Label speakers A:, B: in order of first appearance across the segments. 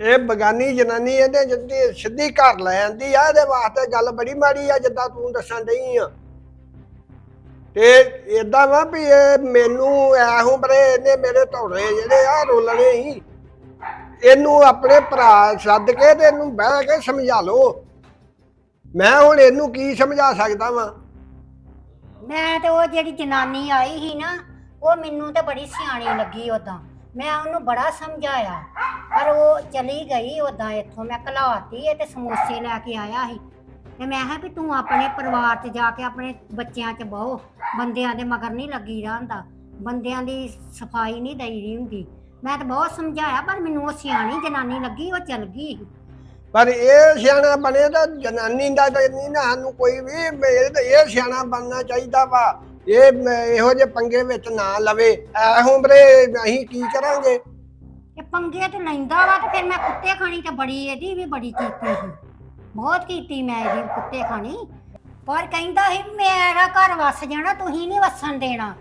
A: ਇਹ ਬਗਾਨੀ ਜਨਾਨੀ ਇਹਦੇ ਜਿੱਦੀ ਸਿੱਧੀ ਘਰ ਲੈ ਆਂਦੀ ਆ ਇਹਦੇ ਵਾਸਤੇ ਗੱਲ ਬੜੀ ਮਾੜੀ ਆ ਜਿੱਦਾਂ ਤੂੰ ਦੱਸਣ ਡਈ ਆ ਤੇ ਏਦਾਂ ਵਾ ਵੀ ਇਹ ਮੈਨੂੰ ਐਹੋਂ ਬਰੇ ਇਹਨੇ ਮੇਰੇ ਧੌੜੇ ਜਿਹੜੇ ਆ ਰੋਲਣੇ ਹੀ ਇਹਨੂੰ ਆਪਣੇ ਭਰਾ ਸੱਦ ਕੇ ਤੇ ਇਹਨੂੰ ਬਹਿ ਕੇ ਸਮਝਾ ਲਓ। ਮੈਂ ਹੁਣ ਇਹਨੂੰ ਕੀ ਸਮਝਾ ਸਕਦਾ ਵਾਂ।
B: ਮੈਂ ਤੇ ਉਹ ਜਿਹੜੀ ਜਨਾਨੀ ਆਈ ਸੀ ਨਾ ਉਹ ਮੈਨੂੰ ਤੇ ਬੜੀ ਸਿਆਣੀ ਲੱਗੀ ਉਦਾਂ। ਮੈਂ ਉਹਨੂੰ ਬੜਾ ਸਮਝਾਇਆ ਪਰ ਉਹ ਚਲੀ ਗਈ ਉਦਾਂ ਇੱਥੋਂ। ਮੈਂ ਘਲਾਤੀ ਇਹ ਤੇ ਸਮੋਸੇ ਲੈ ਕੇ ਆਇਆ ਸੀ ਤੇ ਮੈਂ ਕਿਹਾ ਵੀ ਤੂੰ ਆਪਣੇ ਪਰਿਵਾਰ 'ਚ ਜਾ ਕੇ ਆਪਣੇ ਬੱਚਿਆਂ 'ਚ ਬਹੋ, ਬੰਦਿਆਂ ਦੇ ਮਗਰ ਨਹੀਂ ਲੱਗੀ ਰਹਿੰਦਾ, ਬੰਦਿਆਂ ਦੀ ਸਫਾਈ ਨਹੀਂ ਦਈਦੀ ਹੁੰਦੀ। ਮੈਂ ਤਾਂ ਬਹੁਤ ਸਮਝਾਇਆ ਪਰ ਮੈਨੂੰ ਉਹ ਸਿਆਣੀ ਜਨਾਨੀ ਲੱਗੀ, ਉਹ ਚਲ ਗਈ।
A: ਪਰ ਇਹ ਸਿਆਣਾ ਬਣੇ ਤਾਂ ਜਨਾਨੀ ਦਾ ਤਾਂ ਨਹੀਂ ਨਾ ਸਾਨੂੰ ਕੋਈ ਵੀ ਇਹ ਸਿਆਣਾ ਬਣਨਾ ਚਾਹੀਦਾ ਵਾ। ਇਹੋ ਜਿਹੇ ਪੰਗੇ ਵਿੱਚ ਨਾ ਲਵੇ। ਐਹੋਂ ਬਰੇ ਅਸੀਂ ਕੀ ਕਰਾਂਗੇ।
B: ਇਹ ਪੰਗੇ ਤੇ ਲੈਂਦਾ ਵਾ ਤੇ ਫਿਰ ਮੈਂ ਕੁੱਤੇ ਖਾਣੀ ਤੇ ਬੜੀ ਇਹਦੀ ਵੀ ਬੜੀ ਕੀਤੀ ਸੀ, ਬਹੁਤ ਕੀਤੀ ਮੈਂ ਇਹਦੀ ਕੁੱਤੇ ਖਾਣੀ। ਪਰ ਕਹਿੰਦਾ ਸੀ ਮੇਰਾ ਘਰ ਵਸ ਜਾਣਾ, ਤੁਸੀਂ ਨਹੀਂ ਵਸਣ ਦੇਣਾ।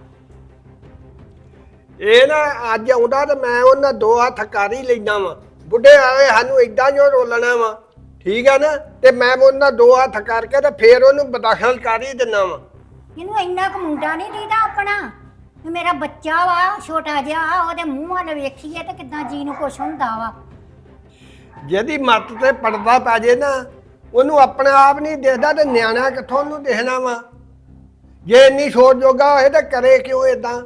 A: ਇਹ ਨਾ ਅੱਜ ਆਉਂਦਾ ਤੇ ਮੈਂ ਉਹਨਾਂ ਦੋ ਹੱਥ ਕਰ ਹੀ ਲੈਣਾ ਵਾ। ਬੁੱਢੇ ਆਏ ਸਾਨੂੰ ਏਦਾਂ ਜੋ ਰੋਲਣਾ ਵਾ, ਠੀਕ ਆ ਨਾ, ਤੇ ਮੈਂ ਉਹਨਾਂ ਦੋ ਹੱਥ ਕਰਕੇ ਤੇ ਫੇਰ ਉਹਨੂੰ ਬਦਾਖਲ ਕਰ ਹੀ ਦਿੰਨਾ ਵਾ।
B: ਇਹਨੂੰ ਇੰਨਾ ਕੁ ਮੁੰਡਾ ਨਹੀਂ ਦੀਦਾ ਆਪਣਾ ਵੀ ਮੇਰਾ ਬੱਚਾ ਵਾ ਛੋਟਾ ਜਿਹਾ, ਉਹਦੇ ਮੂੰਹ ਵੱਲ ਵੇਖੀਏ ਤੇ ਕਿੱਦਾਂ ਜੀ ਨੂੰ ਕੁਛ ਹੁੰਦਾ ਵਾ।
A: ਜਿਹਦੀ ਮੱਤ ਤੇ ਪੜਦਾ ਪੈ ਜੇ ਨਾ ਉਹਨੂੰ ਆਪਣਾ ਆਪ ਨਹੀਂ ਦੇਖਦਾ ਤੇ ਨਿਆਣਾ ਕਿੱਥੋਂ ਉਹਨੂੰ ਦੇਖਣਾ ਵਾ। ਜੇ ਇੰਨੀ ਸੋਚ ਜੋਗਾ ਹੋਏ ਤਾਂ ਕਰੇ ਕਿਉਂ ਏਦਾਂ।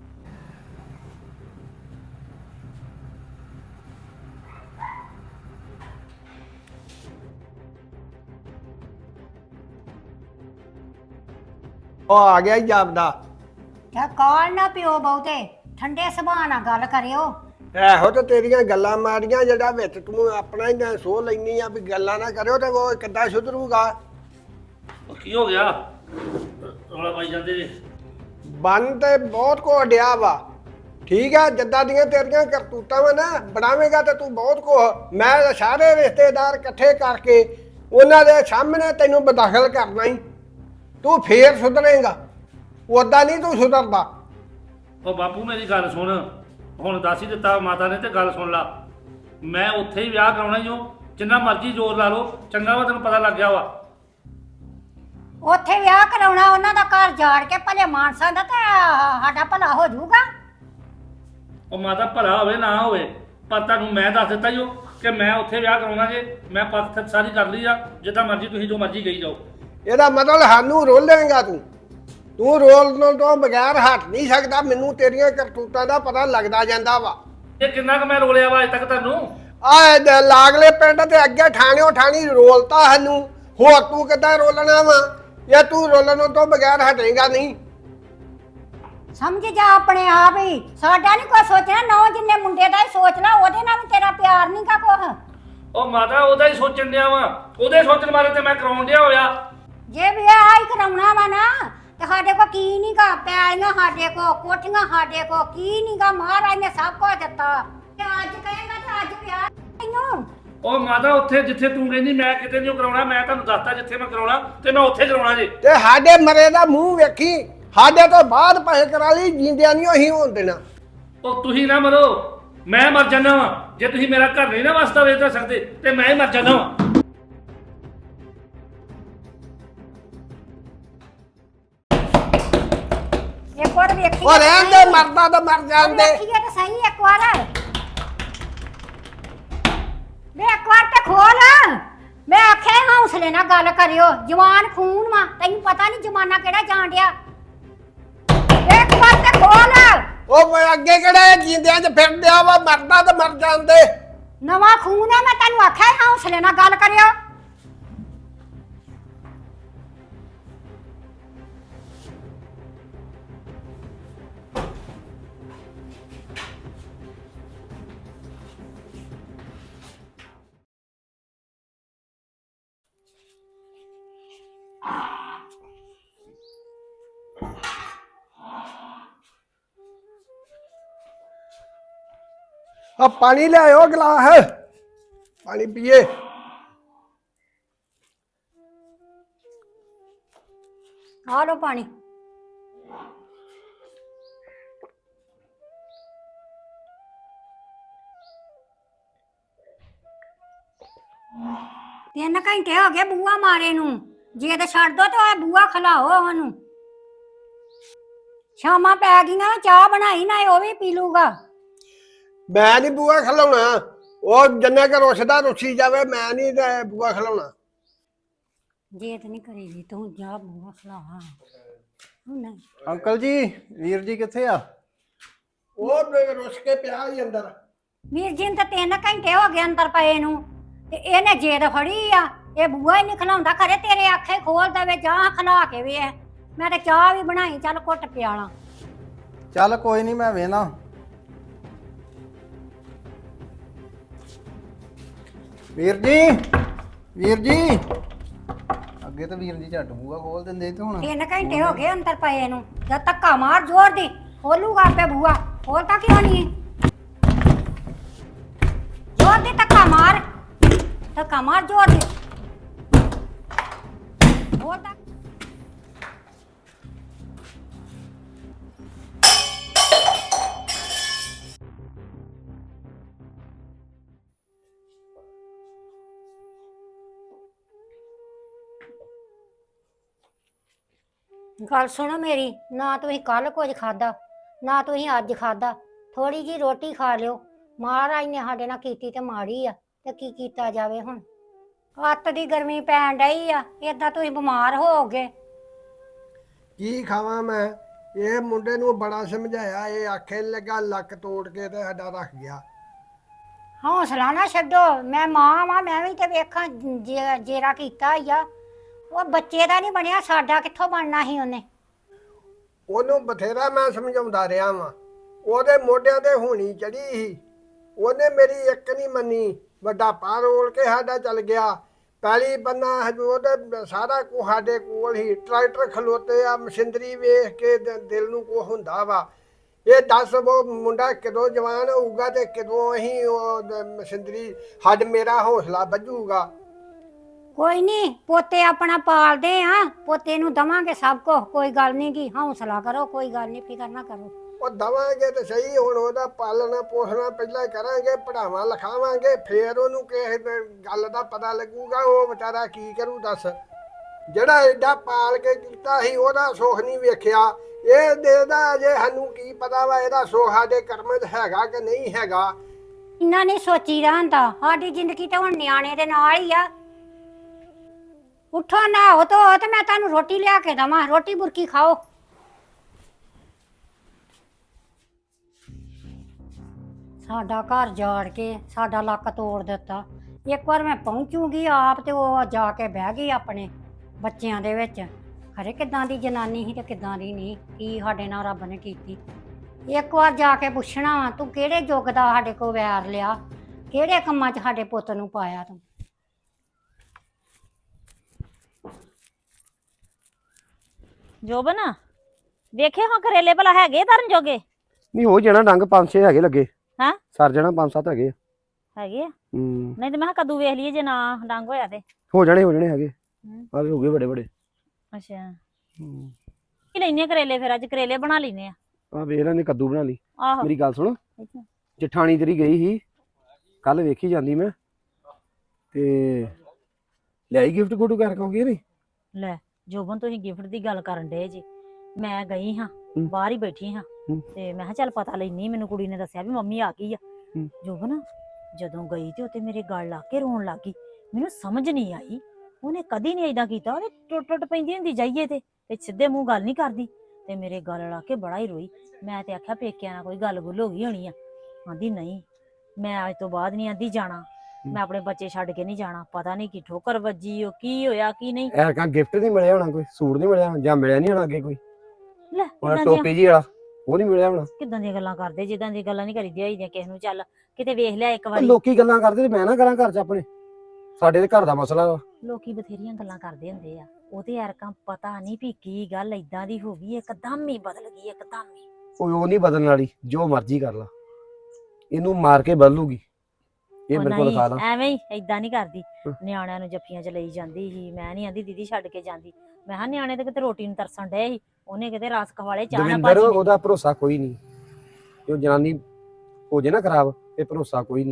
A: ਉਹ ਆ ਗਿਆ ਹੀ ਜਾਪਦਾ।
B: ਕਿਆ ਕਾਲ ਨਾ ਪਿਓ ਬਹੁਤੇ, ਠੰਡੇ ਸੁਭਾਅ ਨਾਲ ਗੱਲ ਕਰਿਓ।
A: ਇਹੋ ਤੇ ਤੇਰੀਆਂ ਗੱਲਾਂ ਮਾਰੀਆਂ ਜਿਹੜਾ ਵਿੱਚ ਤੂੰ ਆਪਣਾ ਹੀ ਸੋਹ ਲੈਣੀ ਆ ਵੀ ਗੱਲਾਂ ਨਾ ਕਰਿਓ ਤੇ ਉਹ ਕਿੱਦਾਂ ਸੁਧਰੂਗਾ।
C: ਕੀ ਹੋ ਗਿਆ ਰੌਲਾ ਪਾਈ ਜਾਂਦੇ ਜੀ।
A: ਬੰਨ ਤੇ ਬਹੁਤ ਕੋ ਅਡਿਆ ਵਾ, ਠੀਕ ਆ, ਜਿੱਦਾਂ ਦੀਆਂ ਤੇਰੀਆਂ ਕਰਤੂਤਾਂ ਵਾ ਨਾ ਬਣਾਵੇਂਗਾ ਤੇ ਤੂੰ ਬਹੁਤ ਕੋ। ਮੈਂ ਸਾਰੇ ਰਿਸ਼ਤੇਦਾਰ ਇਕੱਠੇ ਕਰਕੇ ਉਹਨਾਂ ਦੇ ਸਾਹਮਣੇ ਤੈਨੂੰ ਬਦਾਖਲ ਕਰਨਾ ਹੀ, ਤੂੰ ਫੇਰ ਸੁਧਰੇਗਾ, ਉਦਾਂ ਨਹੀਂ ਤੂੰ ਸੁਧਰਦਾ।
C: ਉਹ ਬਾਪੂ ਮੇਰੀ ਗੱਲ ਸੁਣ, ਹੁਣ ਦੱਸ ਹੀ ਦਿੱਤਾ ਮਾਤਾ ਨੇ ਤੇ ਗੱਲ ਸੁਣ ਲਾ। ਮੈਂ ਉੱਥੇ ਹੀ ਵਿਆਹ ਕਰਾਉਣਾ ਹੀ ਉਹ, ਜਿੰਨਾ ਮਰਜ਼ੀ ਜ਼ੋਰ ਲਾ ਲਓ, ਚੰਗਾ ਵਾ ਤੈਨੂੰ ਪਤਾ ਲੱਗ ਗਿਆ ਵਾ।
B: ਉੱਥੇ ਵਿਆਹ ਕਰਾਉਣਾ ਉਹਨਾਂ ਦਾ ਘਰ ਜਾੜ ਕੇ ਭਲੇ ਮਾਨਸਾਂ ਦਾ ਤੇ ਸਾਡਾ ਭਲਾ ਹੋ ਜਾਊਗਾ।
C: ਉਹ ਮਾਤਾ ਭਲਾ ਹੋਵੇ ਨਾ ਹੋਵੇ, ਪਰ ਤੁਹਾਨੂੰ ਮੈਂ ਦੱਸ ਦਿੱਤਾ ਹੀ ਉਹ ਕਿ ਮੈਂ ਉੱਥੇ ਵਿਆਹ ਕਰਾਉਣਾ ਜੇ। ਮੈਂ ਪੱਥ ਸਾਰੀ ਕਰ ਲਈ ਆ, ਜਿੱਦਾਂ ਮਰਜ਼ੀ ਤੁਸੀਂ ਜੋ ਮਰਜ਼ੀ ਕਹੀ ਜਾਓ।
A: ਇਹਦਾ ਮਤਲਬ ਸਾਨੂੰ ਰੋਲੇਂਗਾ ਤੂੰ ਰੋਲਣ ਤੋਂ ਬਗੈਰ ਹਟ ਨਹੀਂ ਸਕਦਾ। ਮੈਨੂੰ ਤੇਰੀਆਂ ਕਰਤੂਤਾਂ ਦਾ ਪਤਾ ਲੱਗਦਾ ਜਾਂਦਾ ਵਾ।
C: ਇਹ ਕਿੰਨਾ ਕੁ ਮੈਂ ਰੋਲਿਆ ਵਾ ਅਜੇ ਤੱਕ ਤੁਹਾਨੂੰ।
A: ਆ ਲਾਗਲੇ ਪਿੰਡ ਤੇ ਅੱਗੇ ਠਾਣਿਓ ਠਾਣੀ ਰੋਲਤਾ ਸਾਨੂੰ, ਹੋਰ ਤੂੰ ਕਿੱਦਾਂ ਰੋਲਣਾ ਵਾ। ਜਾਂ ਤੂੰ ਰੋਲਣ ਤੋਂ ਬਗੈਰ ਹਟੇਗਾ ਨਹੀਂ।
B: ਸਮਝ ਜਾ ਆਪਣੇ ਆਪ ਹੀ, ਸਾਡਾ ਨਹੀਂ ਕੋਈ ਸੋਚਣਾ। ਨੌ ਜਿੰਨੇ ਮੁੰਡੇ ਦਾ ਹੀ ਸੋਚ ਲਾ, ਉਹਦੇ ਨਾਲ ਵੀ ਤੇਰਾ ਪਿਆਰ ਨਹੀਂ ਕਾ ਕੁਛ।
C: ਉਹ ਮਾਤਾ ਉਹਦਾ ਹੀ ਸੋਚਣ ਡਿਆ ਵਾ, ਉਹਦੇ ਸੋਚਣ ਬਾਰੇ ਤੇ ਮੈਂ ਕਰਾਉਣ ਡਿਆ ਹੋਇਆ।
B: ਜੇ ਵਿਆਹ ਹੀ ਕਰਾਉਣਾ ਵਾ ਨਾ ਤੇ ਸਾਡੇ ਕੋ ਕੀ ਨਹੀਂ ਗਾ, ਪੈਲੀਆਂ ਸਾਡੇ ਕੋ, ਕੋਠੀਆਂ ਸਾਡੇ ਕੋ, ਕੀ ਨਹੀਂ ਗਾ। ਮਹਾਰਾਜ ਨੇ ਸਭ ਕੁਝ ਦਿੱਤਾ ਤੇ ਅੱਜ ਕਹੇਗਾ ਤੇ ਅੱਜ ਵਿਆਹ ਤੈਨੂੰ।
C: ਉਹ ਮਾਤਾ ਉੱਥੇ ਜਿੱਥੇ ਤੂੰ ਕਹਿੰਦੀ ਮੈਂ ਕਿਤੇ ਨਹੀਂ ਕਰਾਉਣਾ, ਮੈਂ ਤੁਹਾਨੂੰ ਦੱਸਤਾ ਜਿੱਥੇ ਮੈਂ ਕਰਾਉਣਾ ਤੇ ਮੈਂ ਉੱਥੇ ਕਰਾਉਣਾ ਜੇ।
A: ਤੇ ਸਾਡੇ ਮਰੇ ਦਾ ਮੂੰਹ ਵੇਖੀ, ਸਾਡੇ ਤੋਂ ਬਾਅਦ ਪੈਸੇ ਕਰਾ ਲਈ, ਜਿੰਦਿਆਂ ਨਹੀਂ ਉਹੀ ਹੋਣ ਦੇਣਾ।
C: ਉਹ ਤੁਸੀਂ ਨਾ ਮਰੋ, ਮੈਂ ਮਰ ਜਾਣਾ ਵਾ। ਜੇ ਤੁਸੀਂ ਮੇਰਾ ਘਰ ਨਹੀਂ ਨਾ ਵਸਦਾ ਵੇਚ ਤਾਂ ਸਕਦੇ ਤੇ ਮੈਂ ਹੀ ਮਰ ਜਾਣਾ ਵਾ।
B: ਇੱਕ ਵਾਰ ਵੇਖੀ
A: ਉਹ ਰਹਿਣ ਦੇ, ਮਰਦਾ ਤਾਂ ਮਰ ਜਾਂਦੇ।
B: ਵੇਖੀਏ ਤਾਂ ਸਹੀ ਇੱਕ ਵਾਰ ਵੇ, ਇੱਕ ਵਾਰ ਤੇ ਖੋਲ। ਮੈਂ ਆਖਿਆ ਹੌਸਲੇ ਨਾਲ ਗੱਲ ਕਰਿਓ, ਜਵਾਨ ਖੂਨ ਵਾ, ਤੈਨੂੰ ਪਤਾ ਨਹੀਂ ਜ਼ਮਾਨਾ ਕਿਹੜਾ ਜਾਣ ਡਿਆ। ਇੱਕ ਵਾਰ ਤੇ ਖੋਲ।
A: ਉਹ ਮੈਂ ਅੱਗੇ ਕਿਹੜਾ ਜਿੰਦਿਆਂ 'ਚ ਫਿਰਦਿਆ ਵਾ, ਮਰਦਾ ਤਾਂ ਮਰ ਜਾਂਦੇ।
B: ਨਵਾਂ ਖੂਨ ਹੈ, ਮੈਂ ਤੈਨੂੰ ਆਖਿਆ ਹੌਸਲੇ ਨਾਲ ਗੱਲ ਕਰਿਓ।
A: ਆ ਪਾਣੀ ਲਿਆਓ ਗਲਾਸ, ਪਾਣੀ ਪੀਏ।
B: ਆ ਲੋ ਪਾਣੀ। 3 ਘੰਟੇ ਹੋ ਗਏ ਬੂਆ ਮਾਰੇ ਨੂੰ, ਜੇ ਤੇ ਛੱਡ ਦੋ ਤੇ ਬੂਆ ਖਲਾਓ ਉਹਨੂੰ। ਸ਼ਾਮਾਂ ਪੈ ਗਈਆਂ, ਚਾਹ ਬਣਾਈ ਨਾ ਉਹ ਵੀ ਪੀ ਲੂਗਾ।
A: ਮੈਂ ਨਹੀਂ ਬੂਆ ਖਲਾਉਣਾ, ਉਹ ਜੰਨੇ ਕਰ ਰੁੱਸਦਾ ਰੁੱਸੀ ਜਾਵੇ, ਮੈਂ ਨਹੀਂ ਤੇ ਬੂਆ ਖਲਾਉਣਾ।
B: ਜੇ ਤੇ ਨਹੀਂ ਕਰੇਗੀ ਤੂੰ ਜਾ ਬੂਆ ਖਲਾ। ਨਹੀਂ
D: ਅੰਕਲ ਜੀ, ਵੀਰ ਜੀ ਕਿੱਥੇ ਆ?
A: ਉਹ ਰੁੱਸ ਕੇ ਪਿਆ ਹੀ ਅੰਦਰ।
B: ਵੀਰ ਜੀ ਨੂੰ ਤਾਂ 3 ਘੰਟੇ ਹੋ ਗਏ ਅੰਦਰ ਪਏ ਨੂੰ, ਤੇ ਇਹਨੇ ਜੇਦ ਫੜੀ ਆ, ਇਹ ਬੂਆ ਹੀ ਨਹੀਂ ਖਲਾਉਂਦਾ। ਖਰੇ ਤੇਰੇ ਆਖੇ ਖੋਲ ਦੇਵੇ, ਜਾ ਖਲਾ ਕੇ ਵੇ। ਮੈਂ ਤੇ ਚਾਹ ਵੀ ਬਣਾਈ, ਚੱਲ ਘੁੱਟ ਪਿਆਲਾ।
D: ਚੱਲ ਕੋਈ ਨਹੀਂ, ਮੈਂ ਵੇਨਾ। ਵੀਰ ਜੀ, ਵੀਰ ਜੀ, ਅੱਗੇ ਤਾਂ ਵੀਰ ਜੀ ਝੱਟ ਬੂਆ ਖੋਲ ਦਿੰਦੇ ਤੇ ਹੁਣ
B: 3 ਘੰਟੇ ਹੋ ਗਏ ਅੰਦਰ ਪਏ ਨੂੰ। ਜਦ ਧੱਕਾ ਮਾਰ ਜ਼ੋਰ ਦੀ, ਖੋਲੂਗਾ ਆਪੇ ਬੂਆ। ਖੋਲਤਾ ਕਿਉਂ ਨਹੀਂ? ਜ਼ੋਰ ਦੀ ਧੱਕਾ ਮਾਰ, ਧੱਕਾ ਮਾਰ ਜ਼ੋਰ ਦੀ। ਖੋਲਤਾ। ਗੱਲ ਸੁਣੋ ਮੇਰੀ, ਨਾ ਤੁਸੀਂ ਕੱਲ ਕੁਝ ਖਾਦਾ, ਨਾ ਤੁਸੀਂ ਅੱਜ ਖਾਦਾ। ਥੋੜੀ ਜੀ ਰੋਟੀ ਖਾ ਲਿਓ। ਮਹਾਰਾਜ ਨੇ ਸਾਡੇ ਨਾਲ ਕੀਤੀ ਤੇ ਮਾੜੀ ਆ, ਤੇ ਕੀ ਕੀਤਾ ਜਾਵੇ ਹੁਣ। ਅੱਤ ਦੀ ਗਰਮੀ ਪੈਣ ਡਈ ਆ, ਏਦਾਂ ਤੁਸੀਂ ਬਿਮਾਰ ਹੋਗੇ।
A: ਕੀ ਖਾਵਾਂ ਮੈਂ? ਇਹ ਮੁੰਡੇ ਨੂੰ ਬੜਾ ਸਮਝਾਇਆ, ਇਹ ਆਖੇ ਨੀ ਲੱਗਾ, ਲੱਕ ਤੋੜ ਕੇ ਤੇ ਸਾਡਾ ਰੱਖ ਗਿਆ।
B: ਹੌਸਲਾ ਨਾ ਛੱਡੋ, ਮੈਂ ਮਾਂ ਵਾਂ, ਮੈਂ ਵੀ ਤੇ ਵੇਖਾਂ ਜੇਰਾ ਕੀਤਾ ਹੀ ਆ। ਉਹ ਬੱਚੇ ਦਾ ਨਹੀਂ ਬਣਿਆ, ਸਾਡਾ ਕਿੱਥੋਂ ਬਣਨਾ ਸੀ ਉਹਨੇ।
A: ਉਹਨੂੰ ਬਥੇਰਾ ਮੈਂ ਸਮਝਾਉਂਦਾ ਰਿਹਾ ਵਾਂ, ਉਹਦੇ ਮੋਢਿਆਂ ਤੇ ਹੋਣੀ ਚੜੀ ਸੀ, ਉਹਨੇ ਮੇਰੀ ਇੱਕ ਨਹੀਂ ਮੰਨੀ। ਵੱਡਾ ਪਾ ਰੋਲ ਕੇ ਸਾਡਾ ਚੱਲ ਗਿਆ। ਪਹਿਲੀ ਬੰਨਾ ਉਹਦੇ ਸਾਰਾ ਕੁਝ ਸਾਡੇ ਕੋਲ ਹੀ, ਟਰੈਕਟਰ ਖਲੋਤੇ ਆ, ਮਸ਼ੀਨਰੀ ਵੇਖ ਕੇ ਦਿਲ ਨੂੰ ਕੁਝ ਹੁੰਦਾ ਵਾ। ਇਹ ਦੱਸ ਉਹ ਮੁੰਡਾ ਕਦੋਂ ਜਵਾਨ ਹੋਊਗਾ ਤੇ ਕਦੋਂ ਅਸੀਂ ਉਹ ਮਸ਼ੀਨਰੀ ਮੇਰਾ ਹੌਸਲਾ ਵੱਜੂਗਾ।
B: ਕੋਈ ਨਹੀਂ, ਪੋਤੇ ਆਪਣਾ ਪਾਲਦੇ ਆ, ਪੋਤੇ ਨੂੰ ਦਵਾਂਗੇ ਸਭ ਕੁਝ। ਕੋਈ ਗੱਲ ਨਹੀਂ ਗੀ, ਹੌਸਲਾ ਕਰੋ, ਕੋਈ ਗੱਲ ਨਹੀਂ, ਫਿਕਰ ਨਾ ਕਰੋ।
A: ਉਹ ਦਵਾਂਗੇ ਤੇ ਸਹੀ, ਹੁਣ ਉਹਦਾ ਪਾਲਣਾ ਪੋਸਣਾ ਪਹਿਲਾਂ ਕਰਾਂਗੇ, ਪੜਾਵਾਂ ਲਿਖਾਵਾਂਗੇ, ਫੇਰ ਉਹਨੂੰ ਕਿਸੇ ਗੱਲ ਦਾ ਪਤਾ ਲੱਗੂਗਾ। ਉਹ ਵਿਚਾਰਾ ਕੀ ਕਰੂ ਦੱਸ? ਜਿਹੜਾ ਐਡਾ ਪਾਲ ਕੇ ਕੀਤਾ ਸੀ, ਉਹਦਾ ਸੁੱਖ ਨਹੀਂ ਵੇਖਿਆ। ਇਹ ਦੇਦਾ ਅਜੇ ਸਾਨੂੰ ਕੀ ਪਤਾ ਵਾ ਇਹਦਾ ਸੁੱਖ ਸਾਡੇ ਕਰਮਾਂ 'ਚ ਹੈਗਾ ਕਿ ਨਹੀਂ ਹੈਗਾ।
B: ਇੰਨਾ ਨਹੀਂ ਸੋਚੀ ਰਹਿੰਦਾ, ਸਾਡੀ ਜ਼ਿੰਦਗੀ ਤਾਂ ਹੁਣ ਨਿਆਣੇ ਦੇ ਨਾਲ ਹੀ ਆ। ਉੱਠੋ ਨਹਾਓ ਧੋ ਤੇ ਮੈਂ ਤੁਹਾਨੂੰ ਰੋਟੀ ਲਿਆ ਕੇ ਦਵਾਂ, ਰੋਟੀ ਬੁਰਕੀ ਖਾਓ। ਸਾਡਾ ਘਰ ਜਾੜ ਕੇ ਸਾਡਾ ਲੱਕ ਤੋੜ ਦਿੱਤਾ। ਇੱਕ ਵਾਰ ਮੈਂ ਪਹੁੰਚੂਗੀ ਆਪ ਤੇ ਉਹ ਜਾ ਕੇ ਬਹਿ ਗਈ ਆਪਣੇ ਬੱਚਿਆਂ ਦੇ ਵਿੱਚ। ਖਰੇ ਕਿੱਦਾਂ ਦੀ ਜਨਾਨੀ ਸੀ ਤੇ ਕਿੱਦਾਂ ਦੀ ਨਹੀਂ, ਕੀ ਸਾਡੇ ਨਾਲ ਰੱਬ ਨੇ ਕੀਤੀ। ਇੱਕ ਵਾਰ ਜਾ ਕੇ ਪੁੱਛਣਾ ਵਾ, ਤੂੰ ਕਿਹੜੇ ਯੁੱਗ ਦਾ ਸਾਡੇ ਕੋਲ ਵੈਰ ਲਿਆ, ਕਿਹੜੇ ਕੰਮਾਂ 'ਚ ਸਾਡੇ ਪੁੱਤ ਨੂੰ ਪਾਇਆ ਤੂੰ।
E: ਜੋਬਨ ਵੇਖੇ ਹਾਂ ਕਰੇਲੇ ਭਲਾ ਹੈਗੇ ਧਰਨ ਜੋਗੇ?
D: ਨਹੀਂ ਹੋ ਜਾਣਾ, ਡੰਗ 5-6 ਹੈਗੇ ਲੱਗੇ।
E: ਹੈਂ?
D: ਸਰ ਜਾਣਾ, 5-7 ਹੈਗੇ।
E: ਹੈਗੇ ਆ?
D: ਹੂੰ,
E: ਨਹੀਂ ਤੇ ਮੈਂ ਕਿਹਾ ਕਦੂ ਵੇਖ ਲਈਏ, ਜੇ ਨਾ ਡੰਗ ਹੋਇਆ ਤੇ
D: ਹੋ ਜਾਣੇ ਹੈਗੇ। ਆ ਵੀ ਹੋ ਗਏ ਵੱਡੇ ਵੱਡੇ।
E: ਅੱਛਾ,
D: ਹੂੰ,
E: ਕੀ ਲੈਨੇ ਕਰੇਲੇ? ਫਿਰ ਅੱਜ ਕਰੇਲੇ ਬਣਾ ਲੈਨੇ ਆ।
D: ਆ ਵੇਖ ਲੈਣੇ, ਕੱਦੂ ਬਣਾ ਲਈ।
E: ਆਹੋ,
D: ਮੇਰੀ ਗੱਲ ਸੁਣ,
E: ਅੱਛਾ।
D: ਜਠਾਣੀ ਤੇਰੀ ਗਈ ਸੀ ਕੱਲ, ਵੇਖੀ ਜਾਂਦੀ ਮੈਂ ਤੇ ਲਿਆਈ ਗਿਫਟ ਗੁੱਟ ਕਰ ਕਹੋਗੇ ਨਹੀਂ?
E: ਲੈ ਜੋਬਨ, ਤੁਸੀਂ ਗਿਫਟ ਦੀ ਗੱਲ ਕਰਨ ਡੇ ਜੀ। ਮੈਂ ਗਈ ਹਾਂ,
D: ਹੂੰ।
E: ਬਾਹਰ ਹੀ ਬੈਠੀ ਹਾਂ,
D: ਹੂੰ।
E: ਤੇ ਮੈਂ ਕਿਹਾ ਚੱਲ ਪਤਾ ਲੈਣੀ। ਮੈਨੂੰ ਕੁੜੀ ਨੇ ਦੱਸਿਆ ਵੀ ਮੰਮੀ ਆ ਗਈ ਆ।
D: ਹੂੰ।
E: ਜੋਬਨ, ਜਦੋਂ ਗਈ ਤੇ ਉੱਤੇ ਮੇਰੇ ਗਲ ਲਾ ਕੇ ਰੋਣ ਲੱਗ ਗਈ। ਮੈਨੂੰ ਸਮਝ ਨਹੀਂ ਆਈ, ਉਹਨੇ ਕਦੀ ਨਹੀਂ ਏਦਾਂ ਕੀਤਾ। ਉਹਨੇ ਟੁੱਟ ਪੈਂਦੀ ਹੁੰਦੀ ਜਾਈਏ ਤੇ ਸਿੱਧੇ ਮੂੰਹ ਗੱਲ ਨਹੀਂ ਕਰਦੀ, ਤੇ ਮੇਰੇ ਗਲ ਲਾ ਕੇ ਬੜਾ ਹੀ ਰੋਈ। ਮੈਂ ਤੇ ਆਖਿਆ ਪੇਕਿਆਂ ਨਾਲ ਕੋਈ ਗੱਲ ਗੁੱਲ ਹੋ ਗਈ ਹੋਣੀ ਆ। ਆਂਦੀ ਨਹੀਂ, ਮੈਂ ਅੱਜ ਤੋਂ ਬਾਅਦ ਨਹੀਂ ਆਂਦੀ ਜਾਣਾ, ਮੈਂ ਆਪਣੇ ਬੱਚੇ ਛੱਡ ਕੇ ਨਹੀਂ ਜਾਣਾ। ਪਤਾ ਨਹੀਂ ਕੀ ਠੋਕਰ ਵੱਜੀ, ਉਹ ਕੀ ਹੋਇਆ ਕੀ ਨਹੀਂ।
D: ਐਰਕਾਂ ਗਿਫਟ ਨਹੀਂ ਮਿਲਿਆ ਹੋਣਾ, ਕੋਈ ਸੂਟ ਨਹੀਂ ਮਿਲਿਆ, ਜਾਂ ਮਿਲਿਆ ਨਹੀਂ ਹੋਣਾ ਅੱਗੇ ਕੋਈ।
E: ਲੈ
D: ਉਹ ਟੋਪੀ ਜੀ ਵਾਲਾ ਉਹ ਨਹੀਂ ਮਿਲਿਆ ਹੋਣਾ।
E: ਕਿੱਦਾਂ ਦੀਆਂ ਗੱਲਾਂ ਕਰਦੇ, ਜਿੱਦਾਂ ਦੀਆਂ ਗੱਲਾਂ ਨਹੀਂ ਕਰੀਦੀਆਂ ਹੋਈਆਂ ਕਿਸੇ ਨੂੰ। ਚੱਲ ਕਿਤੇ ਵੇਖ ਲਿਆ ਇੱਕ ਵਾਰੀ।
D: ਲੋਕੀ ਗੱਲਾਂ ਕਰਦੇ ਤੇ ਮੈਂ ਨਾ ਕਰਾਂ ਘਰ 'ਚ ਆਪਣੇ? ਸਾਡੇ ਦੇ ਘਰ ਦਾ ਮਸਲਾ ਵਾ।
E: ਲੋਕੀ ਬਥੇਰੀਆਂ ਗੱਲਾਂ ਕਰਦੇ ਹੁੰਦੇ ਆ। ਉਹਦੇ ਯਾਰਕਾਂ ਪਤਾ ਨਹੀਂ ਵੀ ਕੀ ਗੱਲ ਏਦਾਂ ਦੀ ਹੋ ਗਈ, ਇੱਕਦਮ ਹੀ ਬਦਲ ਗਈ, ਇੱਕਦਮ ਹੀ।
D: ਉਹ ਨਹੀਂ ਬਦਲਣ ਵਾਲੀ, ਜੋ ਮਰਜ਼ੀ ਕਰ ਲਾ, ਇਹਨੂੰ ਮਾਰ ਕੇ ਬਦਲੂਗੀ। ਇਹ ਮੇਰੇ ਕੋਲ ਖਾ ਲਾ।
E: ਐਵੇਂ ਹੀ ਏਦਾਂ ਨਹੀਂ ਕਰਦੀ।
D: ਹਾਂ।
E: ਨਿਆਣਿਆਂ ਨੂੰ ਜੱਫੀਆਂ 'ਚ ਲਈ ਜਾਂਦੀ ਸੀ। ਮੈਂ ਨਹੀਂ ਆਂਦੀ ਦੀਦੀ ਛੱਡ ਕੇ ਜਾਂਦੀ। ਮੈਂ ਕਿਹਾ ਨਿਆਣੇ ਤੇ ਕਿਤੇ ਰੋਟੀ ਨੂੰ ਤਰਸਣ ਡਏ ਸੀ, ਉਹਨੇ ਕਿਤੇ ਰਸ ਖਵਾਲੇ ਚਾਹ ਨਾ
D: ਦਵਿੰਦਰ,
E: ਭਾਜੀ ਨੇ।
D: ਉਹਦਾ ਭਰੋਸਾ ਕੋਈ ਨਹੀਂ। ਜੋ ਜਨਾਨੀ ਹੋ ਜੇ ਨਾ ਖਰਾਬ, ਇਹ ਭਰੋਸਾ ਕੋਈ ਨਹੀਂ।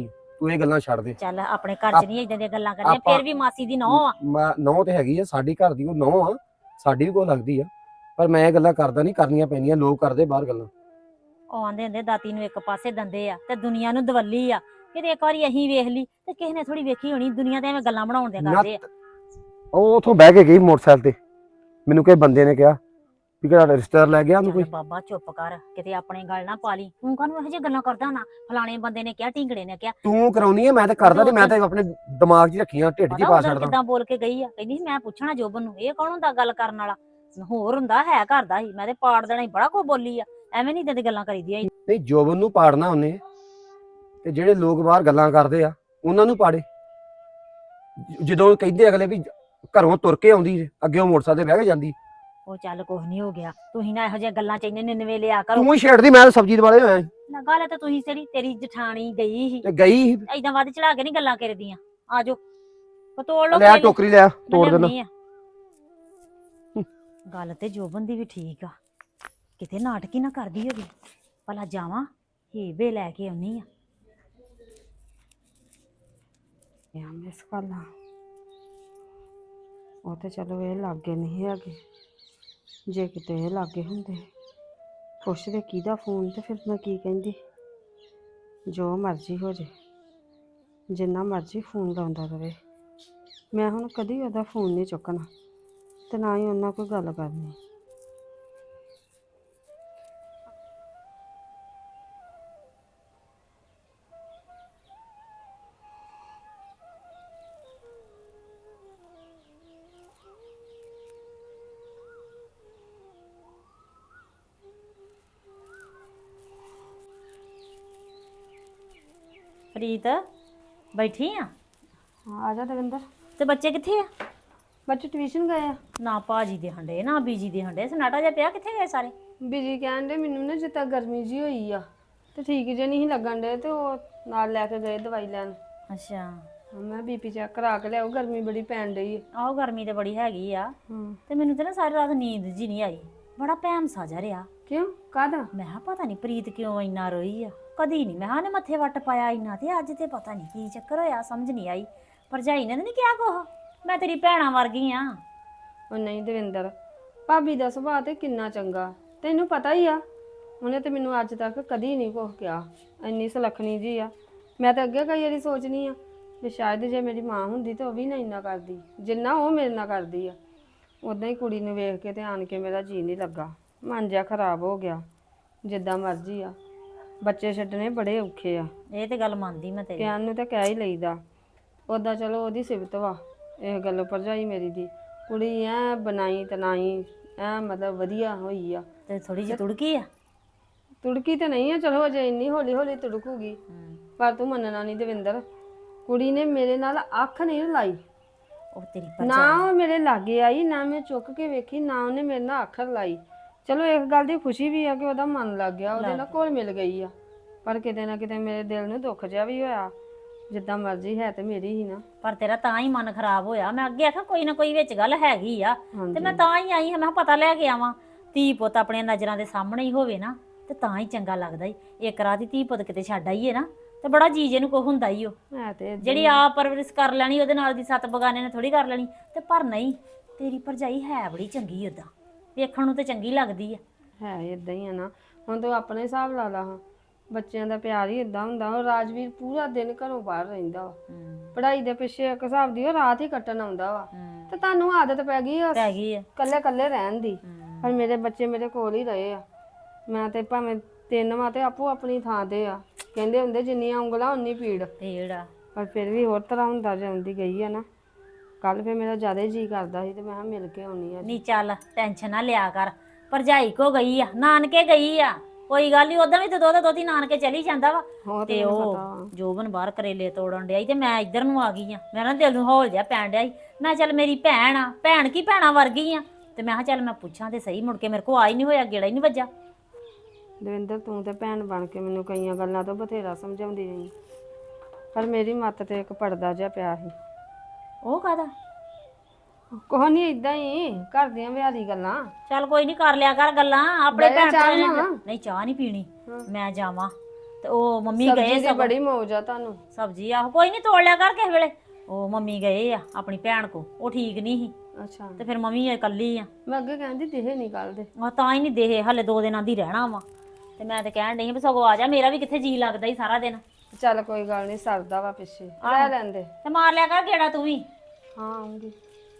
D: ਤੂੰ ਇਹ ਗੱਲਾਂ ਛੱਡ ਦੇ।
E: ਚੱਲ ਆਪਣੇ ਘਰ 'ਚ ਨਹੀਂ ਇਦਾਂ ਦੀਆਂ ਗੱਲਾਂ ਕਰਨੀਆਂ,
D: ਆਪਾਂ-
E: ਫਿਰ ਵੀ ਮਾਸੀ ਦੀ ਨੌਂ ਆ।
D: ਨੌ ਤੇ ਹੈਗੀ ਆ, ਸਾਡੀ ਘਰ ਦੀ ਉਹ ਨੌ ਆ, ਸਾਡੀ ਵੀ ਕੋਈ ਲੱਗਦੀ ਆ, ਪਰ ਮੈਂ ਇਹ ਗੱਲਾਂ ਕਰਦਾ ਨਹੀਂ, ਕਰਨੀਆਂ ਪੈਂਦੀਆਂ, ਲੋਕ ਕਰਦੇ ਬਾਹਰ ਗੱਲਾਂ।
E: ਉਹ ਆਂਦੇ ਹੁੰਦੇ ਦਾਤੀ ਨੂੰ ਇੱਕ ਪਾਸੇ ਦੰਦੇ ਆ ਤੇ ਦੁਨੀਆ ਨੂੰ ਦਵੱਲੀ ਆ। ਕਿਤੇ ਇੱਕ ਵਾਰੀ ਅਸੀਂ ਵੇਖ ਲਈ ਤੇ ਕਿਸੇ ਨੇ ਥੋੜੀ ਵੇਖੀ ਹੋਣੀ, ਦੁਨੀਆ ਤੇ ਐਵੇਂ ਗੱਲਾਂ ਬਣਾਉਣ ਦੇ ਕਰਦੇ ਆ।
D: ਉਹ ਉਥੋਂ ਬਹਿ ਕੇ ਗਈ ਮੋਟਰਸਾਈਕਲ ਤੇ, ਮੈਨੂੰ ਕਿਸੇ ਬੰਦੇ ਨੇ ਕਿਹਾ ਵੀ ਕਿਹੜਾ ਰਿਸ਼ਤੇਦਾਰ ਲੈ ਗਿਆ ਉਹਨੂੰ
E: ਚੱਲ
D: ਕੋਈ।
E: ਬਾਬਾ ਚੁੱਪ ਕਰ, ਕਿਤੇ ਆਪਣੇ ਗੱਲ ਨਾ ਪਾ ਲਈ। ਤੂੰ ਕਾਹਨੂੰ ਇਹੋ ਜਿਹੀ ਗੱਲਾਂ ਕਰਦਾ ਨਾ, ਫਲਾਣੇ ਬੰਦੇ ਨੇ ਕਿਹਾ, ਢਿੰਗੜੇ ਨੇ ਕਿਹਾ।
D: ਤੂੰ ਕਰਾਉਣੀ ਆ, ਮੈਂ ਤਾਂ ਕਰਦਾ ਤੇ ਮੈਂ ਤਾਂ ਆਪਣੇ ਦਿਮਾਗ 'ਚ ਰੱਖੀਆਂ, ਢਿੱਡ 'ਚ
E: ਪਤਾ
D: ਪਾ
E: ਉਦੋਂ
D: ਛੱਡਦਾ।
E: ਕਿੱਦਾਂ ਬੋਲ ਕੇ ਗਈ ਆ, ਕਹਿੰਦੀ ਸੀ ਮੈਂ ਪੁੱਛਣਾ ਜੋਬਨ ਨੂੰ, ਇਹ ਕੌਣ ਹੁੰਦਾ ਗੱਲ ਕਰਨ ਵਾਲਾ, ਹੋਰ ਹੁੰਦਾ ਹੈ ਘਰ ਦਾ ਹੀ, ਮੈਂ ਤੇ ਪਾੜ ਦੇਣਾ ਹੀ, ਬੜਾ ਕੁਝ ਬੋਲੀ ਆ। ਐਵੇਂ ਨਹੀਂ ਇਦਾਂ ਦੀ ਗੱਲਾਂ ਕਰੀਦੀਆਂ।
D: ਨਹੀਂ, ਜੋਬਨ ਨੂੰ ਪਾੜਨਾ ਉਹਨੇ, ਤੇ ਜਿਹੜੇ ਲੋਕ ਬਾਹਰ ਗੱਲਾਂ ਕਰਦੇ ਆ ਉਹਨਾਂ ਨੂੰ ਪਾੜੇ। ਜਦੋਂ ਕਹਿੰਦੇ ਅਗਲੇ ਵੀ ਘਰੋਂ ਤੁਰ ਕੇ ਆਉਂਦੀ ਜੇ, ਅੱਗੇ ਉਹ ਮੋਟਰਸਾਈਕਲ ਤੇ ਬਹਿ ਕੇ ਜਾਂਦੀ।
E: ਉਹ ਚੱਲ ਕੁਝ ਨਹੀਂ ਹੋ ਗਿਆ, ਤੁਸੀਂ ਨਾ ਇਹੋ ਜਿਹੀਆਂ ਗੱਲਾਂ ਚ ਇੰਨੇ ਨਿਨਵੇ ਲਿਆ ਕਰੋ।
D: ਤੂੰ ਹੀ ਛੇੜਦੀ, ਮੈਂ ਤਾਂ ਸਬਜ਼ੀ ਦੁਆਲੇ ਹੋਇਆ ਸੀ।
E: ਨਾ ਗੱਲ ਤੇ ਤੁਸੀਂ ਤੇਰੀ ਜਠਾਣੀ ਗਈ ਸੀ,
D: ਤੇ ਗਈ
E: ਏਦਾਂ ਵੱਧ ਚੜਾ ਕੇ ਨਹੀਂ ਗੱਲਾਂ ਕਰਦੀਆਂ। ਆਜੋ ਤੋੜ ਲੋ,
D: ਲੈ ਟੋਕਰੀ ਲੈ ਤੋੜ ਦੇਣਾ।
E: ਗੱਲ ਤੇ ਜੋਬਨ ਦੀ ਵੀ ਠੀਕ ਆ, ਕਿਤੇ ਨਾਟਕੀ ਨਾ ਕਰਦੀ ਹੋਵੇ। ਭਲਾ ਜਾਵਾਂ ਹੀਬੇ ਲੈ ਕੇ ਆਉਣੀ ਆ।
F: ਮਿਸ ਕਾਲਾਂ ਉਹ ਤੇ ਚਲੋ ਇਹ ਲਾਗੇ ਨਹੀਂ ਹੈਗੇ, ਜੇ ਕਿਤੇ ਇਹ ਲਾਗੇ ਹੁੰਦੇ ਪੁੱਛਦੇ ਕਿਹਦਾ ਫੋਨ ਤੇ ਫਿਰ ਮੈਂ ਕੀ ਕਹਿੰਦੀ। ਜੋ ਮਰਜ਼ੀ ਹੋ ਜੇ, ਜਿੰਨਾ ਮਰਜ਼ੀ ਫੋਨ ਲਾਉਂਦਾ ਰਹੇ, ਮੈਂ ਹੁਣ ਕਦੀ ਉਹਦਾ ਫੋਨ ਨਹੀਂ ਚੁੱਕਣਾ ਤੇ ਨਾ ਹੀ ਉਹਨਾਂ ਕੋਈ ਗੱਲ ਕਰਨੀ।
E: ਪ੍ਰੀਤ ਬੈਠੀ ਆ?
F: ਹਾਂ ਆ ਜਾ ਦਵਿੰਦਰ।
E: ਤੇ ਬੱਚੇ ਕਿੱਥੇ ਆ?
F: ਬੱਚੇ ਟਿਊਸ਼ਨ ਗਏ ਆ।
E: ਨਾ ਭਾਜੀ ਦੇ ਹੰਡੇ ਨਾ ਬੀਜੀ ਦੇ ਹੰਡੇ, ਸਨਾਟਾ ਜਿਹਾ ਪਿਆ, ਕਿੱਥੇ ਗਏ ਸਾਰੇ?
F: ਬੀਜੀ ਕਹਿਣ ਦੇ ਮੈਨੂੰ ਨਾ ਜਿੱਦਾਂ ਗਰਮੀ ਜੀ ਹੋਈ ਆ ਤੇ ਠੀਕ ਜੇ ਨਹੀਂ ਲੱਗਣ ਦੇ, ਤੇ ਉਹ ਨਾਲ ਲੈ ਕੇ ਗਏ ਦਵਾਈ ਲੈਣ।
E: ਅੱਛਾ,
F: ਮੈਂ ਬੀਪੀ ਚੈੱਕ ਕਰਾ ਕੇ ਲਿਆਓ, ਗਰਮੀ ਬੜੀ ਪੈਣ ਡਈ ਹੈ।
E: ਆਹੋ ਗਰਮੀ ਤੇ ਬੜੀ ਹੈਗੀ ਆ।
F: ਹਾਂ
E: ਤੇ ਮੈਨੂੰ ਤੇ ਨਾ ਸਾਰੀ ਰਾਤ ਨੀਂਦ ਜੀ ਨਹੀਂ ਆਈ, ਬੜਾ ਭੈਮ ਸਾਜਾ ਰਿਹਾ।
F: ਕਿਉਂ ਕਾਹਦਾ?
E: ਮੈਂ ਕਿਹਾ ਪਤਾ ਨਹੀਂ ਪ੍ਰੀਤ ਕਿਉਂ ਇੰਨਾ ਰੋਈ ਆ, ਕਦੀ ਨਹੀਂ ਮੈਂ ਕਿਹਾ ਨੇ ਮੱਥੇ ਵੱਟ ਪਾਇਆ ਇੰਨਾ, ਤੇ ਅੱਜ ਤੇ ਪਤਾ ਨਹੀਂ ਕੀ ਚੱਕਰ ਹੋਇਆ, ਸਮਝ ਨਹੀਂ ਆਈ। ਭਰਜਾਈ ਨੇ ਤਾਂ ਨਹੀਂ ਕਿਹਾ ਕੁਛ, ਮੈਂ ਤੇਰੀ ਭੈਣਾਂ ਵਰਗੀ ਆ।
F: ਉਹ ਨਹੀਂ ਦਵਿੰਦਰ, ਭਾਬੀ ਦਾ ਸੁਭਾਅ ਤੇ ਕਿੰਨਾ ਚੰਗਾ, ਤੈਨੂੰ ਪਤਾ ਹੀ ਆ। ਉਹਨੇ ਤੇ ਮੈਨੂੰ ਅੱਜ ਤੱਕ ਕਦੀ ਨਹੀਂ ਕੁਛ ਕਿਹਾ, ਇੰਨੀ ਸੁਲੱਖਣੀ ਜੀ ਆ। ਮੈਂ ਤਾਂ ਅੱਗੇ ਕਈ ਵਾਰੀ ਸੋਚਣੀ ਆ ਵੀ ਸ਼ਾਇਦ ਜੇ ਮੇਰੀ ਮਾਂ ਹੁੰਦੀ ਤਾਂ ਉਹ ਵੀ ਨਾ ਇੰਨਾ ਕਰਦੀ ਜਿੰਨਾ ਉਹ ਮੇਰੇ ਨਾਲ ਕਰਦੀ ਆ। ਉਦਾਂ ਹੀ ਕੁੜੀ ਨੂੰ ਵੇਖ ਕੇ ਤੇ ਆਣ ਕੇ ਮੇਰਾ ਜੀਅ ਨਹੀਂ ਲੱਗਾ, ਮਨ ਜਿਹਾ ਖਰਾਬ ਹੋ ਗਿਆ। ਜਿੱਦਾਂ ਮਰਜ਼ੀ ਆ, ਬੱਚੇ ਛੱਡਣੇ ਬੜੇ ਔਖੇ ਆ।
E: ਇਹ ਤੇ ਗੱਲ ਮੰਨਦੀ ਮੈਂ ਤੇਰੀ।
F: ਕਹਿਣ ਨੂੰ ਤਾਂ ਕਹਿ ਹੀ ਲਈਦਾ, ਉੱਦਾਂ ਚਲੋ ਉਹਦੀ ਸਿਫਤ ਵਾ ਇਹ ਗੱਲ ਭਰਜਾਈ ਮੇਰੀ ਦੀ। ਕੁੜੀ ਐ ਬਣਾਈ ਤਨਾਈ ਐ ਮਤਲਬ ਵਧੀਆ ਹੋਈ ਆ।
E: ਤੇ ਥੋੜੀ ਜਿਹੀ ਤੁੜਕੀ ਆ?
F: ਤੁੜਕੀ ਤੇ ਨਹੀਂ ਆ, ਚਲੋ ਅਜੇ ਇੰਨੀ ਹੌਲੀ ਹੌਲੀ ਤੁੜਕੂਗੀ। ਪਰ ਤੂੰ ਮੰਨਣਾ ਨਹੀਂ ਦਵਿੰਦਰ, ਕੁੜੀ ਨੇ ਮੇਰੇ ਨਾਲ ਅੱਖ ਨਹੀਂ ਲਾਈ,
E: ਉਹ ਤੇਰੀ
F: ਨਾ
E: ਭਰਜਾਈ
F: ਉਹ ਮੇਰੇ ਲਾਗੇ ਆਈ, ਨਾ ਮੈਂ ਚੁੱਕ ਕੇ ਵੇਖੀ, ਨਾ ਉਹਨੇ ਮੇਰੇ ਨਾਲ ਅੱਖ ਲਾਈ। ਚਲੋ ਇਸ ਗੱਲ ਦੀ ਖੁਸ਼ੀ ਵੀ ਆ ਕਿ ਉਹਦਾ ਮਨ ਲੱਗ ਗਿਆ, ਉਹਦੇ ਨਾਲ ਘੁਲ ਮਿਲ ਗਈ ਆ। ਪਰ ਕਿਤੇ ਨਾ ਕਿਤੇ ਮੇਰੇ ਦਿਲ ਨੂੰ ਦੁੱਖ ਜਿਹਾ ਵੀ ਹੋਇਆ। ਜਿੱਦਾਂ ਮਰਜ਼ੀ ਹੈ ਤੇ ਮੇਰੀ ਹੀ ਨਾ।
E: ਪਰ ਤੇਰਾ ਤਾਂ ਹੀ ਮਨ ਖਰਾਬ ਹੋਇਆ। ਮੈਂ ਅੱਗੇ ਆਖਿਆ ਕੋਈ ਨਾ ਕੋਈ ਵਿੱਚ ਗੱਲ ਹੈਗੀ ਆ, ਤੇ ਮੈਂ ਤਾਂ ਹੀ ਆਈ ਹਾਂ, ਮੈਂ ਕਿਹਾ ਪਤਾ ਲੈ ਕੇ ਆਵਾਂ। ਧੀ ਪੁੱਤ ਆਪਣੀਆਂ ਨਜ਼ਰਾਂ ਦੇ ਸਾਹਮਣੇ ਹੀ ਹੋਵੇ ਨਾ ਤੇ ਤਾਂ ਹੀ ਚੰਗਾ ਲੱਗਦਾ ਈ। ਇੱਕ ਰਾਤ ਦੀ ਧੀ ਪੁੱਤ ਕਿਤੇ ਛੱਡ ਆਈਏ ਨਾ ਤੇ ਬੜਾ ਜੀਜੇ ਨੂੰ ਕੋ ਹੁੰਦਾ ਹੀ ਉਹ।
F: ਹੈ ਤੇ
E: ਜਿਹੜੀ ਆਪ ਪਰਵਰਿਸ਼ ਕਰ ਲੈਣੀ ਉਹਦੇ ਨਾਲ ਦੀ ਸੱਤ ਬਗਾਨੇ ਨੇ ਥੋੜੀ ਕਰ ਲੈਣੀ। ਤੇ ਪਰ ਨਹੀਂ, ਤੇਰੀ ਭਰਜਾਈ ਹੈ ਬੜੀ ਚੰਗੀ, ਓਦਾਂ ਵੇਖਣ ਨੂੰ ਤੇ ਚੰਗੀ ਲੱਗਦੀ ਆ।
F: ਹੈ ਇਦਾਂ ਹੀ ਆ ਨਾ। ਹੁਣ ਤੂੰ ਆਪਣੇ ਹਿਸਾਬ ਲਾ ਲਾ, ਹਾਂ ਬੱਚਿਆਂ ਦਾ ਪਿਆਰ ਹੀ ਇਦਾਂ ਹੁੰਦਾ। ਉਹ ਰਾਜਵੀਰ ਪੂਰਾ ਦਿਨ ਘਰੋਂ ਬਾਹਰ ਰਹਿੰਦਾ ਵਾ, ਪੜ੍ਹਾਈ ਦੇ ਪਿੱਛੇ ਇੱਕ ਹਿਸਾਬ ਦੀ ਉਹ ਰਾਤ ਹੀ ਕੱਟਣ ਆਉਂਦਾ ਵਾ। ਤੇ ਤੁਹਾਨੂੰ ਆਦਤ ਪੈ ਗਈ ਆ ਕੱਲੇ ਕੱਲੇ ਰਹਿਣ ਦੀ। ਪਰ ਮੇਰੇ ਬੱਚੇ ਮੇਰੇ ਕੋਲ ਹੀ ਰਹੇ ਆ। ਮੈਂ ਤੇ ਭਾਵੇਂ ਤਿੰਨ ਵਾਂ ਤੇ ਆਪੋ ਆਪਣੀ ਥਾਂ ਤੇ ਆ। ਕਹਿੰਦੇ ਹੁੰਦੇ ਜਿੰਨੀਆਂ ਉਂਗਲਾਂ ਉਨੀ ਪੀੜ। ਪਰ ਫਿਰ ਵੀ ਹੋਰ ਤਰ੍ਹਾਂ ਹੁੰਦਾ ਜਾਂਦੀ ਗਈ ਆ ਨਾ। ਕੱਲ ਫਿਰ ਮੇਰਾ ਜ਼ਿਆਦਾ ਜੀ ਕਰਦਾ ਸੀ ਤੇ ਮੈਂ ਕਿਹਾ ਮਿਲ ਕੇ ਆਉਣੀ ਆ।
E: ਨਹੀਂ ਚੱਲ ਟੈਨਸ਼ਨ ਨਾ ਲਿਆ ਕਰ, ਭਰਜਾਈ ਕੋ ਗਈ ਆ, ਨਾਨਕੇ ਗਈ ਆ, ਕੋਈ ਗੱਲ ਨਹੀਂ। ਉਦਾਂ ਵੀ ਤੇ ਦੋਤੀ ਨਾਨਕੇ ਚਲੀ ਜਾਂਦਾ ਵਾ। ਤੇ ਉਹ ਜੋਬਨ ਬਾਹਰ ਕਰੇਲੇ ਤੋੜਨ ਡਿਆ ਤੇ ਮੈਂ ਇੱਧਰ ਨੂੰ ਆ ਗਈ ਆ। ਮੈਂ ਨਾ ਦਿਲ ਨੂੰ ਹੌਲ ਜਿਹਾ ਪੈਣ ਡਿਆ ਸੀ। ਮੈਂ ਚੱਲ ਮੇਰੀ ਭੈਣ ਆ, ਭੈਣ ਕੀ ਭੈਣਾਂ ਵਰਗੀ ਆ, ਤੇ ਮੈਂ ਕਿਹਾ ਚੱਲ ਮੈਂ ਪੁੱਛਾਂ ਤੇ ਸਹੀ। ਮੁੜ ਕੇ ਮੇਰੇ ਕੋ ਆ ਹੀ ਨਹੀਂ ਹੋਇਆ, ਗੇੜਾ ਹੀ ਨਹੀਂ ਵੱਜਾ।
F: ਦਵਿੰਦਰ ਤੂੰ ਤੇ ਭੈਣ ਬਣ ਕੇ ਮੈਨੂੰ ਕਈਆਂ ਗੱਲਾਂ ਤੋਂ ਬਥੇਰਾ ਸਮਝਾਉਂਦੀ ਰਹੀ, ਪਰ ਮੇਰੀ ਮੱਤ ਤੇ ਇੱਕ ਪਰਦਾ ਜਿਹਾ ਪਿਆ ਸੀ।
E: ਉਹ ਕਾਹਦਾ?
F: ਕੋਹ ਨਹੀਂ, ਇਦਾਂ ਹੀ ਘਰ ਦੀਆਂ ਵਿਹਾਰੀ ਗੱਲਾਂ।
E: ਚੱਲ ਕੋਈ ਨਹੀਂ, ਕਰ ਲਿਆ ਕਰ ਗੱਲਾਂ ਆਪਣੇ
F: ਬਹਿ ਜਾ,
E: ਭੈਣ
F: ਚਾਹ
E: ਭਰਾ
F: ਬਣਾਵਾਂ?
E: ਨਹੀਂ ਚਾਹ ਨਹੀਂ ਪੀਣੀ, ਮੈਂ ਜਾਵਾਂ ਤੇ ਉਹ ਮੰਮੀ
F: ਸਬਜ਼ੀ
E: ਗਏ
F: ਦੀ
E: ਸਗੋਂ
F: ਬੜੀ ਮੌਜ ਆ ਤੁਹਾਨੂੰ।
E: ਸਬਜ਼ੀ ਆਹੋ ਕੋਈ ਨਹੀਂ ਤੋੜ ਲਿਆ ਕਰ ਕਿਸੇ ਵੇਲੇ। ਉਹ ਮੰਮੀ ਗਏ ਆ ਆਪਣੀ ਭੈਣ ਕੋ, ਉਹ ਠੀਕ ਨਹੀਂ ਸੀ
F: ਅੱਛਾ,
E: ਤੇ ਫਿਰ ਮੰਮੀ ਇਕੱਲੀ ਆ।
F: ਮੈਂ ਅੱਗੇ ਕਹਿੰਦੀ ਦੇਹ ਨਹੀਂ ਕੱਲਦੇ।
E: ਆ ਤਾਂ ਹੀ ਨਹੀਂ ਦੇਹੇ ਹਲੇ 2 ਦਿਨਾਂ ਦੀ ਰਹਿਣਾ ਵਾ। ਤੇ ਮੈਂ ਤੇ ਕਹਿਣ ਡਈ ਵੀ ਸਗੋਂ ਆ ਜਾ, ਮੇਰਾ ਵੀ ਕਿੱਥੇ ਜੀ ਲੱਗਦਾ ਹੀ ਸਾਰਾ ਦਿਨ।
F: ਚੱਲ ਕੋਈ ਗੱਲ ਨਹੀਂ, ਸਰਦਾ ਵਾ ਪਿੱਛੇ ਰਹਿ ਲੈਂਦੇ।
E: ਤੇ ਮਾਰ ਲਿਆ ਕਰ ਗੇੜਾ ਤੂੰ ਵੀ।
F: ਹਾਂ ਆਉਂਗੀ।